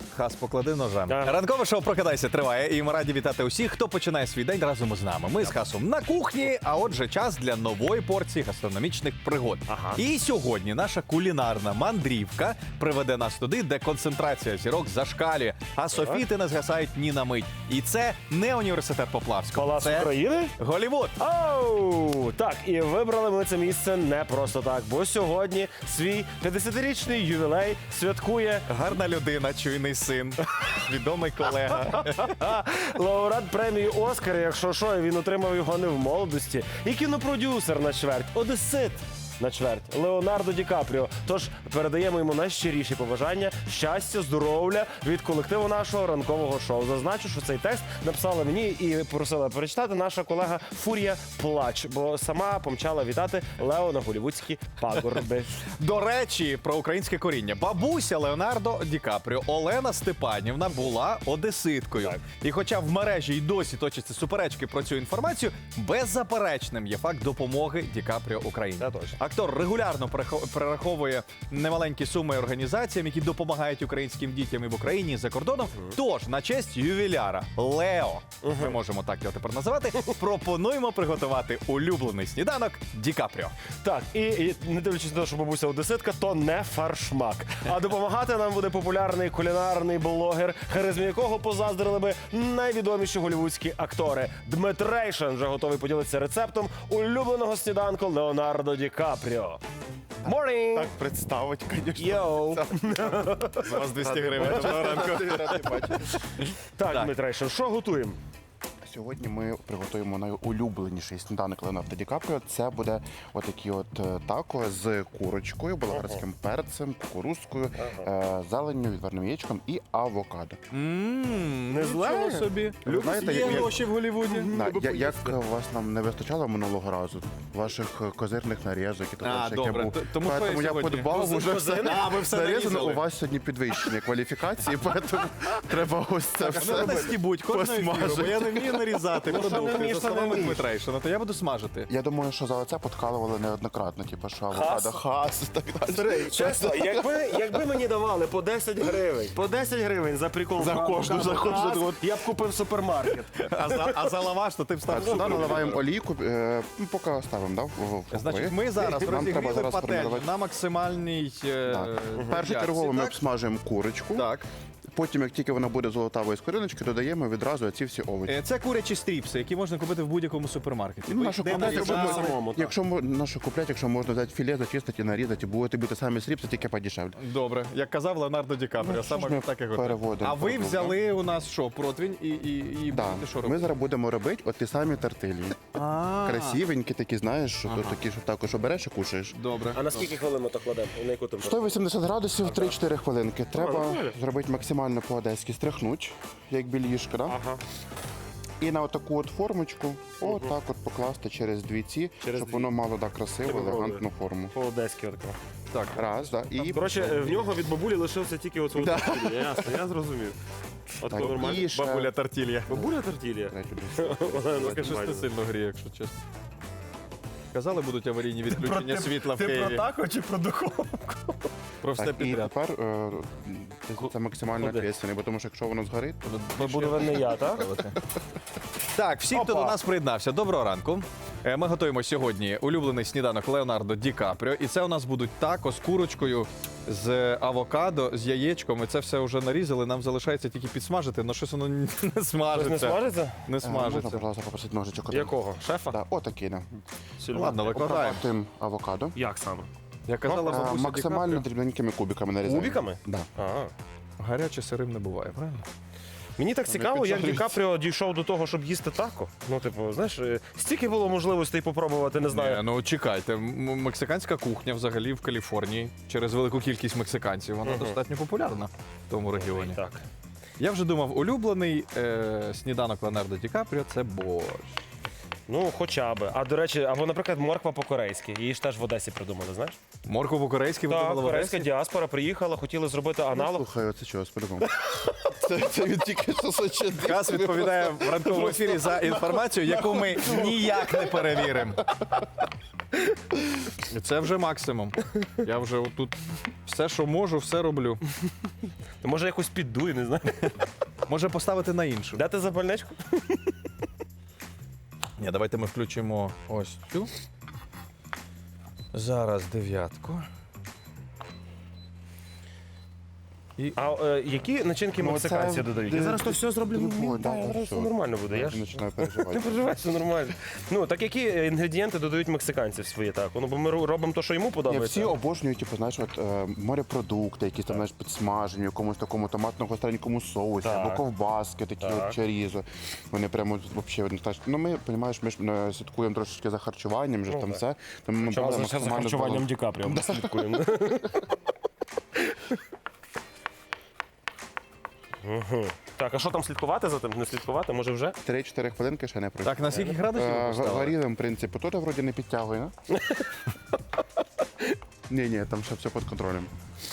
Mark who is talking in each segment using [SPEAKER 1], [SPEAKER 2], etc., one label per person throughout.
[SPEAKER 1] Хас, поклади ножа.
[SPEAKER 2] Ага.
[SPEAKER 1] Ранкове шоу «Прокидайся» триває, і ми раді вітати усіх, хто починає свій день разом із нами. Ми з Хасом на кухні, а отже, час для нової порції гастрономічних пригод.
[SPEAKER 2] Ага.
[SPEAKER 1] І сьогодні наша кулінарна мандрівка приведе нас туди, де концентрація зірок зашкалює, а софіти не згасають ні на мить. І це не університет Поплавського.
[SPEAKER 2] Палац
[SPEAKER 1] Це
[SPEAKER 2] України?
[SPEAKER 1] Голлівуд.
[SPEAKER 2] Оу! Так, і вибрали ми це місце не просто так, бо сьогодні свій 50-річний ювілей святкує
[SPEAKER 1] Гарна людина, чуйний син, відомий колега.
[SPEAKER 2] лауреат премії «Оскар», якщо що, і він отримав його не в молодості, і кінопродюсер на чверть, одесит на чверть, Леонардо Ді Капріо. Тож передаємо йому найщиріші побажання, щастя, здоров'я від колективу нашого ранкового шоу. Зазначу, що цей текст написала мені і просила перечитати наша колега Фурія Плач, бо сама помчала вітати Лео на голлівудські пагорби.
[SPEAKER 1] До речі, про українське коріння. Бабуся Леонардо Ді Капріо Олена Степанівна була одеситкою.
[SPEAKER 2] Так.
[SPEAKER 1] І хоча в мережі й досі точаться суперечки про цю інформацію, беззаперечним є факт допомоги Ді Капріо Україні.
[SPEAKER 2] Це точно.
[SPEAKER 1] Актор регулярно перераховує немаленькі суми організаціям, які допомагають українським дітям і в Україні, і за кордоном. Тож, на честь ювіляра Лео, ми можемо так його тепер називати, пропонуємо приготувати улюблений сніданок Ді Капріо.
[SPEAKER 2] Так, і не дивлячись на те, що бабуся одеситка, то не фаршмак. А допомагати нам буде популярний кулінарний блогер, харизмі якого позаздрили би найвідоміші голлівудські актори. Дмитрейшин вже готовий поділитися рецептом улюбленого сніданку Леонардо Ді Капріо. Morning!
[SPEAKER 3] Так представить, звісно.
[SPEAKER 2] Йоу!
[SPEAKER 1] За вас 200 гривень.
[SPEAKER 2] Так, Дмитрейшин, що готуємо?
[SPEAKER 3] Сьогодні ми приготуємо найулюбленіший сніданок Леонардо Ді Капріо. Це буде отакі тако з курочкою, болгарським перцем, кукурузкою, зеленню, відварним яєчком і авокадо.
[SPEAKER 2] Не зле?
[SPEAKER 1] Нічого собі.
[SPEAKER 3] Ви знаєте,
[SPEAKER 1] Є
[SPEAKER 3] як-
[SPEAKER 1] гроші в Голлівуді.
[SPEAKER 3] Як вас нам не вистачало минулого разу, ваших козирних нарізок і таке, яке
[SPEAKER 1] добре.
[SPEAKER 3] був.
[SPEAKER 1] Тому що
[SPEAKER 3] Поэтому
[SPEAKER 1] я
[SPEAKER 3] я
[SPEAKER 1] сьогодні?
[SPEAKER 3] подбав уже все.
[SPEAKER 1] А, ви все
[SPEAKER 3] нарізано.
[SPEAKER 1] нарізали.
[SPEAKER 3] У вас сьогодні підвищення кваліфікації, тому треба ось це все.
[SPEAKER 1] Не стібуть кожного ефіру, бо
[SPEAKER 3] посмажити.
[SPEAKER 1] я не вмію нарізати продукти.
[SPEAKER 2] вмієш,
[SPEAKER 1] За
[SPEAKER 2] то не
[SPEAKER 1] словами
[SPEAKER 2] вмієш.
[SPEAKER 1] Дмитрейшина, то я буду смажити.
[SPEAKER 3] Я думаю, що за оце подкалували неоднократно, типу, що авокадо, хас і так далі.
[SPEAKER 2] Чесно, якби мені давали по 10 гривень, за прикол
[SPEAKER 3] За кожну, за кожну.
[SPEAKER 2] газ, я б купив супермаркет.
[SPEAKER 1] А за лаваш, то ти б став
[SPEAKER 3] Так, сюди наливаємо олійку, поки ставимо, да, в
[SPEAKER 1] Значить, ми зараз
[SPEAKER 3] Нам треба
[SPEAKER 1] розігріли
[SPEAKER 3] зараз
[SPEAKER 1] пательню
[SPEAKER 3] формувати.
[SPEAKER 1] на максимальній
[SPEAKER 3] Першу
[SPEAKER 1] ярці,
[SPEAKER 3] чергову ми
[SPEAKER 1] так?
[SPEAKER 3] обсмажуємо курочку.
[SPEAKER 1] Так.
[SPEAKER 3] Потім, як тільки вона буде золотавою з кориночки, додаємо відразу ці всі овочі.
[SPEAKER 1] Це курячі стріпси, які можна купити в будь-якому супермаркеті.
[SPEAKER 3] Ну, нашу
[SPEAKER 1] Де
[SPEAKER 3] куплять,
[SPEAKER 1] нарізати?
[SPEAKER 3] якщо
[SPEAKER 2] самому, так.
[SPEAKER 3] якщо нашу куплять, якщо можна взяти філе, зачистити і нарізати, будете бити самі стріпси, тільки подешевле.
[SPEAKER 1] Добре, як казав Леонардо Ді Капріо,
[SPEAKER 3] Ну, що ж
[SPEAKER 1] саме
[SPEAKER 3] ми
[SPEAKER 1] так і готує.
[SPEAKER 3] переводимо
[SPEAKER 1] А ви
[SPEAKER 3] продукт,
[SPEAKER 1] взяли у нас що, противень і
[SPEAKER 3] Да.
[SPEAKER 1] будете що
[SPEAKER 3] Ми
[SPEAKER 1] робити?
[SPEAKER 3] зараз будемо робити от ті самі тартилі. Красивенькі такі, знаєш, що то такі, що також обереш і кушаєш.
[SPEAKER 1] Добре.
[SPEAKER 2] А на скільки хвилин ми то кладемо? На яку температуру?
[SPEAKER 3] 180 градусів, 3-4 хвилинки. Треба
[SPEAKER 2] нормально.
[SPEAKER 3] зробити максимально по-одеськи, стряхнути, як білішка, да?
[SPEAKER 2] Ага.
[SPEAKER 3] І на отаку от формочку, отак от покласти через дві ці,
[SPEAKER 2] Через
[SPEAKER 3] щоб
[SPEAKER 2] дві.
[SPEAKER 3] воно мало так красиву,
[SPEAKER 2] Тебе
[SPEAKER 3] елегантну форму.
[SPEAKER 2] По-одеськи отако.
[SPEAKER 1] Так.
[SPEAKER 3] Раз, да, і
[SPEAKER 2] Коротше, в нього від бабулі лишився тільки оцю тортілля. Ясно, я зрозумів. От
[SPEAKER 3] Так,
[SPEAKER 2] нормально.
[SPEAKER 3] і ще-
[SPEAKER 1] Бабуля тортілья.
[SPEAKER 2] Бабуля тортілля?
[SPEAKER 3] третю десь.
[SPEAKER 1] Щось не сильно гріє, якщо чесно. Казали, будуть аварійні відключення світла в Києві.
[SPEAKER 2] тако чи про духовку?
[SPEAKER 1] Про все
[SPEAKER 3] Так, і
[SPEAKER 1] підряд.
[SPEAKER 3] тепер це максимально
[SPEAKER 2] Куди?
[SPEAKER 3] ответственний, бо тому що якщо воно згорить, то
[SPEAKER 2] Буде винний я, так?
[SPEAKER 1] Так, всі, хто
[SPEAKER 2] Опа.
[SPEAKER 1] до нас приєднався, доброго ранку. Ми готуємо сьогодні улюблений сніданок Леонардо Ді Капріо. І це у нас будуть тако з курочкою, з авокадо, з яєчком. І це все вже нарізали. Нам залишається тільки підсмажити, але щось воно не
[SPEAKER 2] Щось
[SPEAKER 1] смажиться.
[SPEAKER 2] не смажиться?
[SPEAKER 1] Не
[SPEAKER 3] можна,
[SPEAKER 1] смажиться.
[SPEAKER 3] пожалуйста, попросити ножичок. один?
[SPEAKER 2] Якого? Шефа?
[SPEAKER 3] Да, отакий, да.
[SPEAKER 1] Ну, ладно, викладаємо.
[SPEAKER 3] Обрабатуємо авокадо.
[SPEAKER 2] Як саме?
[SPEAKER 1] Я казала бабуся Ді
[SPEAKER 3] Максимально
[SPEAKER 1] Капріо,
[SPEAKER 3] дрібненькими кубиками нарізаємо.
[SPEAKER 2] Кубиками?
[SPEAKER 3] Да.
[SPEAKER 2] Ага.
[SPEAKER 1] гаряче сирим не буває, правильно?
[SPEAKER 2] Мені так цікаво, як Ді Капріо дійшов до того, щоб їсти тако. Ну, типу, знаєш, стільки було можливостей попробувати, не знаю.
[SPEAKER 1] Ні, ну чекайте, мексиканська кухня взагалі в Каліфорнії через велику кількість мексиканців, вона достатньо популярна в тому регіоні.
[SPEAKER 2] Так.
[SPEAKER 1] Я вже думав, улюблений сніданок Леонардо Ді Капріо – це борщ.
[SPEAKER 2] Ну, хоча б. А до речі, або, наприклад, морква по-корейськи. Її ж теж в Одесі придумали, знаєш?
[SPEAKER 1] Моркву по-корейськи
[SPEAKER 2] Так,
[SPEAKER 1] видавали в
[SPEAKER 2] корейська
[SPEAKER 1] Одесі?
[SPEAKER 2] діаспора приїхала, хотіли зробити аналог.
[SPEAKER 3] Слухай, оце чого, по-любому. Це він тільки що сочинив.
[SPEAKER 1] Кас відповідає в ранковому ефірі за інформацію, яку ми ніяк не перевіримо. І це вже максимум. Я вже тут все, що можу, все роблю.
[SPEAKER 2] Може якось піддуй, не знаю.
[SPEAKER 1] Може поставити на іншу.
[SPEAKER 2] Дати запальничку?
[SPEAKER 1] Ні, давайте ми включимо ось цю. Зараз 9.
[SPEAKER 2] А які начинки
[SPEAKER 3] Ну,
[SPEAKER 2] мексиканці
[SPEAKER 3] це-
[SPEAKER 2] додають? Я зараз то все зроблю.
[SPEAKER 3] Ну, да,
[SPEAKER 2] Зараз
[SPEAKER 3] все.
[SPEAKER 2] все нормально буде. Я ж
[SPEAKER 3] Починаю
[SPEAKER 2] не
[SPEAKER 3] переживати.
[SPEAKER 2] переживай, все нормально. Ну, так які інгредієнти додають мексиканці в свої так? Ну, бо ми робимо те, що йому
[SPEAKER 3] Ні,
[SPEAKER 2] подобається.
[SPEAKER 3] всі обожнюють, типу, знаєш, от, морепродукти, якісь там, знаєш, підсмажені, в якомусь такому томатно-гостренькому соусі,
[SPEAKER 2] Так.
[SPEAKER 3] або ковбаски, такі
[SPEAKER 2] Так.
[SPEAKER 3] от чорізо. Вони прямо взагалі, ну ми, розумієш, ми ж слідкуємо трошечки за харчуванням, вже ж там
[SPEAKER 2] так.
[SPEAKER 3] все. Тому ми
[SPEAKER 2] Чому
[SPEAKER 3] брали
[SPEAKER 2] за
[SPEAKER 3] максимально
[SPEAKER 2] харчуванням
[SPEAKER 3] баланс.
[SPEAKER 2] Ді Капріо ми слідкуємо. Мгм. Так, а що там слідкувати за тим? Не слідкувати? Може вже?
[SPEAKER 3] 3-4 хвилинки ще не пройшло.
[SPEAKER 1] Так, на скільки градусів ви поставили?
[SPEAKER 3] Варілим, в принципі, тут вроді не підтягує, не? Ні, там ще все під контролем.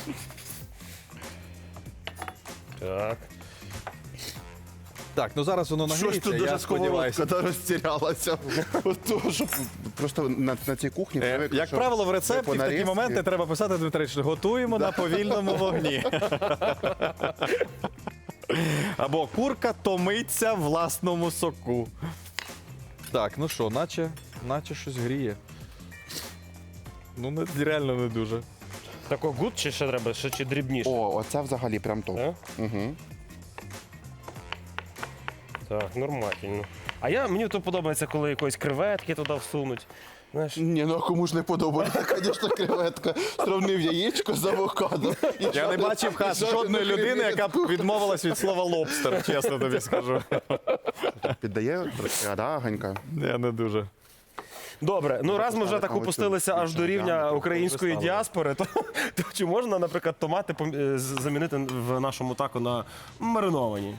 [SPEAKER 2] Так.
[SPEAKER 1] Так, ну зараз воно нагріється, я сподіваюся.
[SPEAKER 3] розтірялася. От того, що просто на цій кухні привик,
[SPEAKER 1] Як
[SPEAKER 3] що
[SPEAKER 1] правило, в рецепті
[SPEAKER 3] по
[SPEAKER 1] в такі
[SPEAKER 3] нарізці-
[SPEAKER 1] моменти треба писати, Дмитрич, готуємо на повільному вогні. Або курка томиться в власному соку. Так, ну що, наче щось гріє. Ну, реально не дуже.
[SPEAKER 2] Тако гуд чи ще треба, ще чи дрібніше?
[SPEAKER 3] О, оце взагалі прям топ.
[SPEAKER 2] Так?
[SPEAKER 3] Угу.
[SPEAKER 2] Так, нормально. А мені то подобається, коли якоїсь креветки туди всунуть. Знаєш,
[SPEAKER 3] Ні, ну а кому ж не подобається, звісно, креветка. Сравнив яєчко з авокадо.
[SPEAKER 1] Я не бачив жодної людини, яка б відмовилась від слова лобстер, чесно тобі скажу.
[SPEAKER 3] Піддає трошки, да, Ганька?
[SPEAKER 1] Я не дуже.
[SPEAKER 2] добре, ну раз ми вже
[SPEAKER 3] поставити
[SPEAKER 2] так
[SPEAKER 3] на оцю
[SPEAKER 2] опустилися аж до рівня
[SPEAKER 3] діаметр,
[SPEAKER 2] української
[SPEAKER 1] поставили.
[SPEAKER 2] діаспори, то чи можна, наприклад, томати замінити в нашому таку на мариновані?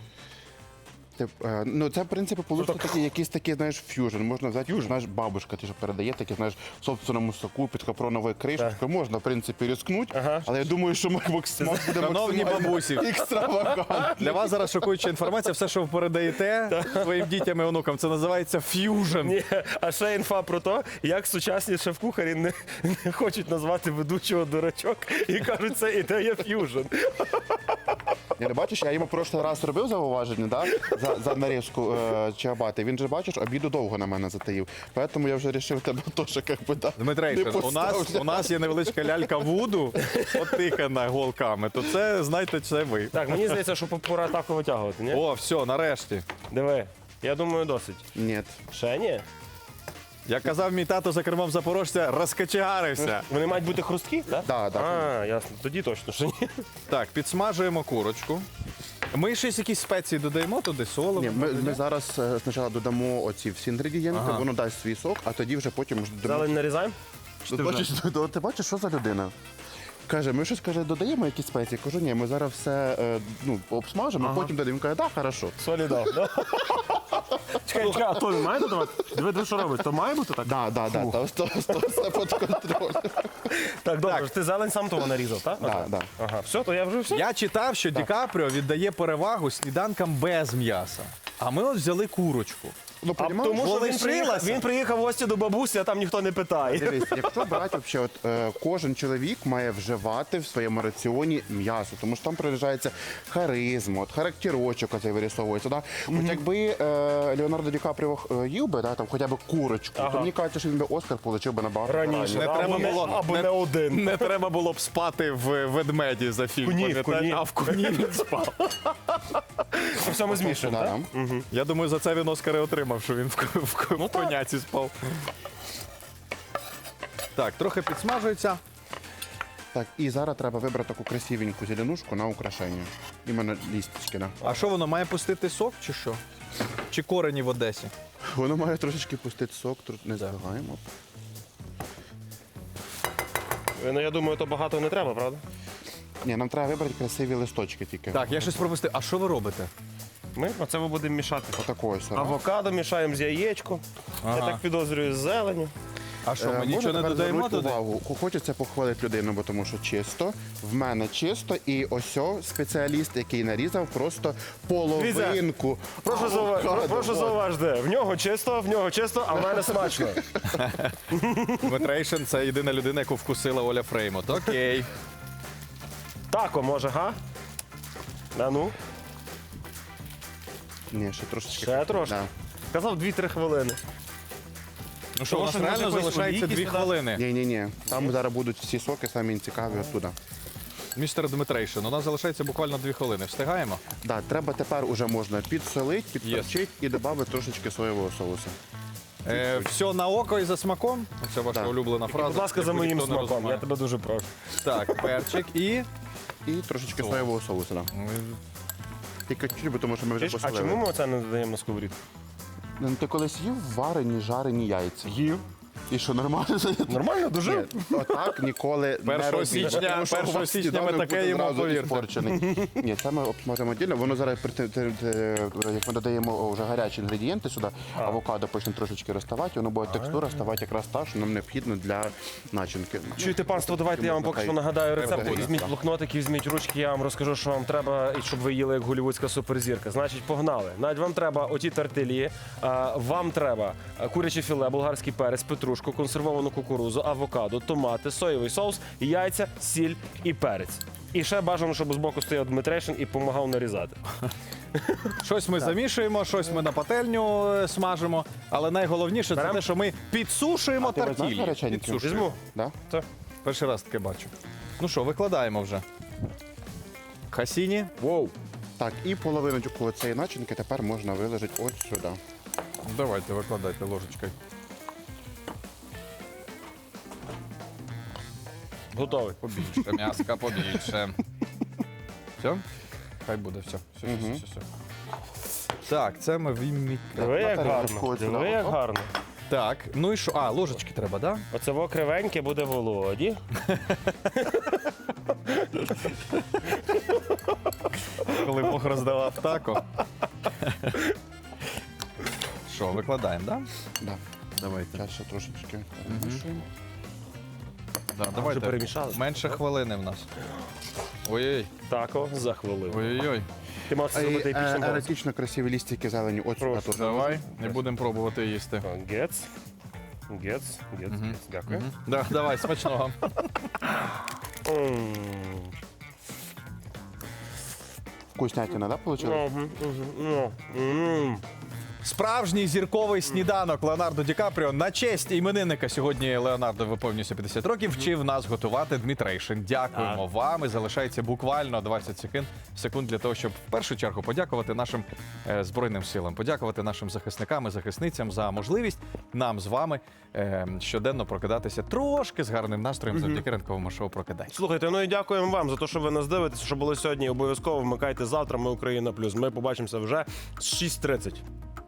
[SPEAKER 3] Ну, це, в принципі, вийшло такі, якийсь такий, знаєш, ф'южн. Можна взяти, знаєш, бабушка ти ж передає таке, знаєш, в собственному соку під капроновою кришечкою. Можна, в принципі, рискнути,
[SPEAKER 2] Ага.
[SPEAKER 3] але я думаю, що ми буде
[SPEAKER 1] Шановні
[SPEAKER 3] максимально
[SPEAKER 1] бабусі.
[SPEAKER 3] екстравагантно.
[SPEAKER 1] Для вас зараз шокуюча інформація, все, що ви передаєте своїм дітям і онукам, це називається ф'южн.
[SPEAKER 2] Ні, а ще інфа про те, як сучасні шеф-кухарі не хочуть назвати ведучого дурачок і кажуть, це ідея ф'южн.
[SPEAKER 3] Я не бачиш, я йому прошлий раз робив зауваження, да? за нарізку чиабати. Він же, бачиш, обіду довго на мене затаїв. Тому я вже вирішив тебе теж, як би, да, не
[SPEAKER 1] Дмитрейшин,
[SPEAKER 3] поставлю.
[SPEAKER 1] у нас є невеличка лялька Вуду, отихана голками, то це, знаєте, це ви.
[SPEAKER 2] Так, мені здається, що пора таку витягувати, ні?
[SPEAKER 1] О, все, нарешті.
[SPEAKER 2] Диви, я думаю, досить.
[SPEAKER 3] Ні.
[SPEAKER 2] Ще ні?
[SPEAKER 1] Як казав мій тато за кермом запорожця, розкачегарився.
[SPEAKER 2] Вони мають бути хрусткі, так?
[SPEAKER 3] Да, да.
[SPEAKER 2] А, ясно. Тоді точно, що ні.
[SPEAKER 1] Так, підсмажуємо курочку. Ми щось якісь спеції додаємо туди, солимо.
[SPEAKER 3] Ні, ми зараз спочатку додамо оці всі інгредієнти,
[SPEAKER 1] Ага.
[SPEAKER 3] воно дасть свій сок, а тоді вже потім вже додамо.
[SPEAKER 2] Зелень нарізаємо?
[SPEAKER 3] Ти бачиш, що за людина? Каже, ми щось каже, додаємо якісь спеції. Кажу, ні, ми зараз все обсмажимо, потім додаємо. Він каже, так, хорошо.
[SPEAKER 2] Солі дав. Чекай, а то не має додавати? Диви, що робиш? То має бути так?
[SPEAKER 3] Да, то все під контролем.
[SPEAKER 2] Так, добре, ти зелень сам того нарізав, так?
[SPEAKER 3] Да.
[SPEAKER 2] Ага, все, то я вже все.
[SPEAKER 1] Я читав, що Ді Капріо віддає перевагу сніданкам без м'яса. А ми от взяли курочку.
[SPEAKER 3] Ну,
[SPEAKER 2] А
[SPEAKER 3] понімаєш?
[SPEAKER 2] тому що
[SPEAKER 1] Полишилася?
[SPEAKER 2] він приїхав в гості до бабусі, а там ніхто не питає.
[SPEAKER 3] Дивись, якщо брати вообще, кожен чоловік має вживати в своєму раціоні м'ясо, тому що там проявляється харизма, характерочок оцей вирисовується. Да? От якби Леонардо Ді Капріо їв би, да, там, хоча б курочку, то мені кажуть, що він би Оскар отримав би набагато
[SPEAKER 2] Раніше.
[SPEAKER 1] Не
[SPEAKER 2] Або
[SPEAKER 1] треба
[SPEAKER 2] не-
[SPEAKER 1] було
[SPEAKER 2] або не один.
[SPEAKER 1] Не треба було б спати в ведмеді за фільм.
[SPEAKER 2] Куні,
[SPEAKER 1] пам'ятаєш?
[SPEAKER 2] куні.
[SPEAKER 1] А в куні він спав.
[SPEAKER 2] Це все ми змішуємо,
[SPEAKER 3] Да,
[SPEAKER 2] так?
[SPEAKER 3] да.
[SPEAKER 1] Я думаю, за це він Оскари отримав, що він в коняці спав. Так, трохи підсмажується.
[SPEAKER 3] Так, і зараз треба вибрати таку красивеньку зеленушку на украшення. Іменно лісточки, да.
[SPEAKER 1] А що воно має пустити сок чи що? Чи корені в Одесі?
[SPEAKER 3] Воно має трошечки пустити сок, тут не збиваємо.
[SPEAKER 2] Ну, я думаю, то багато не треба, правда?
[SPEAKER 3] Ні, нам треба вибрати красиві листочки тільки.
[SPEAKER 1] Так, я щось пропустив. А що ви робите?
[SPEAKER 2] Ми оце ми будемо мішати.
[SPEAKER 3] Отакої сора.
[SPEAKER 2] Авокадо мішаємо з яєчком. Я
[SPEAKER 1] Ага.
[SPEAKER 2] так підозрюю з зеленю.
[SPEAKER 1] А що, ми
[SPEAKER 3] Можна
[SPEAKER 1] нічого не
[SPEAKER 3] тепер
[SPEAKER 1] додаємо
[SPEAKER 3] звернути
[SPEAKER 1] туди?
[SPEAKER 3] увагу. Хочеться похвалити людину, бо тому що чисто. В мене чисто. І ось спеціаліст, який нарізав просто половинку.
[SPEAKER 2] Прошу зауважити, в нього чисто, а в мене смачно.
[SPEAKER 1] Дмитрейшин – це єдина людина, яку вкусила Оля Фреймут. Окей.
[SPEAKER 2] Тако, може, га? А ну,
[SPEAKER 3] Ні, ще трошечки.
[SPEAKER 2] ще трошки.
[SPEAKER 3] Да.
[SPEAKER 2] Казав 2-3 хвилини.
[SPEAKER 1] Ну що, у нас
[SPEAKER 2] Тому що,
[SPEAKER 1] реально
[SPEAKER 2] може,
[SPEAKER 1] залишається
[SPEAKER 2] якісь
[SPEAKER 1] 2
[SPEAKER 2] сюди?
[SPEAKER 1] хвилини.
[SPEAKER 3] Ні. Там зараз будуть всі соки, самі цікаві оттуда.
[SPEAKER 1] Містер Дмитрейшин, у нас залишається буквально 2 хвилини. Встигаємо?
[SPEAKER 3] Да, треба тепер уже можна підсолити, підперчити і додати трошечки соєвого соусу.
[SPEAKER 1] Все на око і за смаком. Це ваша
[SPEAKER 3] Так.
[SPEAKER 1] улюблена фраза.
[SPEAKER 2] Будь ласка, за
[SPEAKER 1] яку
[SPEAKER 2] моїм
[SPEAKER 1] ніхто не
[SPEAKER 2] смаком,
[SPEAKER 1] розуміє.
[SPEAKER 2] я тебе дуже прошу.
[SPEAKER 1] Так, перчик і...
[SPEAKER 3] І трошечки соєвого соусу. Да. Тільки чуть, бо тому що ми вже
[SPEAKER 2] А
[SPEAKER 3] посолили.
[SPEAKER 2] чому ми це не додаємо на сковорідку?
[SPEAKER 3] Ну, ти колись їв варені, жарені яйця?
[SPEAKER 2] Їв.
[SPEAKER 3] І що, нормально?
[SPEAKER 2] Нормально,
[SPEAKER 3] Ні,
[SPEAKER 2] дуже.
[SPEAKER 3] отак ніколи не
[SPEAKER 1] 1
[SPEAKER 3] робіть.
[SPEAKER 1] січня-
[SPEAKER 3] Тому що у
[SPEAKER 1] 1
[SPEAKER 3] вас
[SPEAKER 1] січня ми
[SPEAKER 3] сніданок
[SPEAKER 1] таке
[SPEAKER 3] буде
[SPEAKER 1] їмо,
[SPEAKER 3] зразу
[SPEAKER 1] повірте.
[SPEAKER 3] іспорчений. Ні, це ми обсмажимо віддільно. Воно зараз, як ми додаємо вже гарячі інгредієнти сюди, авокадо почне трошечки розставати, воно буде текстура ставати якраз та, що нам необхідно для начинки.
[SPEAKER 2] Чуєте, панство, давайте я вам поки що нагадаю рецепт.
[SPEAKER 3] буде.
[SPEAKER 2] Візьміть блокнотик, візьміть ручки, я вам розкажу, що вам треба, і щоб ви їли як голівудська суперзірка. Значить, погнали. Навіть вам треба оті тартилі, вам треба куряче філе, болгарський перець, петрушку, консервовану кукурузу, авокадо, томати, соєвий соус, яйця, сіль і перець. І ще бажано, щоб збоку стояв Дмитрейшин і допомагав нарізати.
[SPEAKER 1] Щось ми замішуємо, щось ми на пательню смажимо. Але найголовніше це
[SPEAKER 2] Берем?
[SPEAKER 1] те, що ми підсушуємо
[SPEAKER 3] Ти знаєш
[SPEAKER 1] тартілі.
[SPEAKER 3] гаряченькі?
[SPEAKER 1] Підсушуємо.
[SPEAKER 2] Візьму.
[SPEAKER 3] Да?
[SPEAKER 2] Це.
[SPEAKER 1] Перший раз таке бачу. Ну що, викладаємо вже. Хасіні. Воу.
[SPEAKER 3] Так, і половиночку цієї начинки тепер можна виложити ось сюди.
[SPEAKER 1] Давайте, викладайте ложечкою.
[SPEAKER 2] Готовий.
[SPEAKER 1] Побільше, м'яска, побільше. Все? Хай буде, все. Все. Так, це ми вимікаємо.
[SPEAKER 2] Диви, як
[SPEAKER 3] тарілочку
[SPEAKER 2] гарно.
[SPEAKER 3] от сюди.
[SPEAKER 2] Диви, як
[SPEAKER 3] Оп.
[SPEAKER 2] гарно.
[SPEAKER 1] Так, ну і що? А, ложечки треба, так?
[SPEAKER 2] Оце во кривеньке буде Володі.
[SPEAKER 1] Коли Бог роздавав тако. Що, викладаємо, так?
[SPEAKER 3] Да.
[SPEAKER 1] Давайте.
[SPEAKER 3] Зараз ще трошечки перемішуємо.
[SPEAKER 1] Да,
[SPEAKER 2] Вже
[SPEAKER 1] давайте.
[SPEAKER 2] перемішали?
[SPEAKER 1] Менше хвилини в нас. Ой-ой.
[SPEAKER 2] Тако за хвилину.
[SPEAKER 1] Ой-ой.
[SPEAKER 2] Ти мав це зробити епічним голосом.
[SPEAKER 3] Еротично красиві лістики зелені. Ось сюди
[SPEAKER 2] Прошу.
[SPEAKER 3] теж.
[SPEAKER 1] Давай, не будемо пробувати їсти.
[SPEAKER 2] Гец. Дякую.
[SPEAKER 1] Да, давай, смачного.
[SPEAKER 2] М.
[SPEAKER 3] Вкуснятина, да, вийшло?
[SPEAKER 1] Справжній зірковий сніданок Леонардо Ді Капріо на честь іменинника. Сьогодні Леонардо виповнюється 50 років. Вчив нас готувати Дмитрейшин. Дякуємо вам. І залишається буквально 20 секунд для того, щоб в першу чергу подякувати нашим Збройним силам, подякувати нашим захисникам і захисницям за можливість нам з вами щоденно прокидатися трошки з гарним настроєм завдяки ранковому шоу «Прокидайся».
[SPEAKER 2] Слухайте, ну і дякуємо вам за те, що ви нас дивитеся, що було сьогодні. Обов'язково вмикайте завтра. Ми Україна плюс. Ми побачимося вже з 6:30.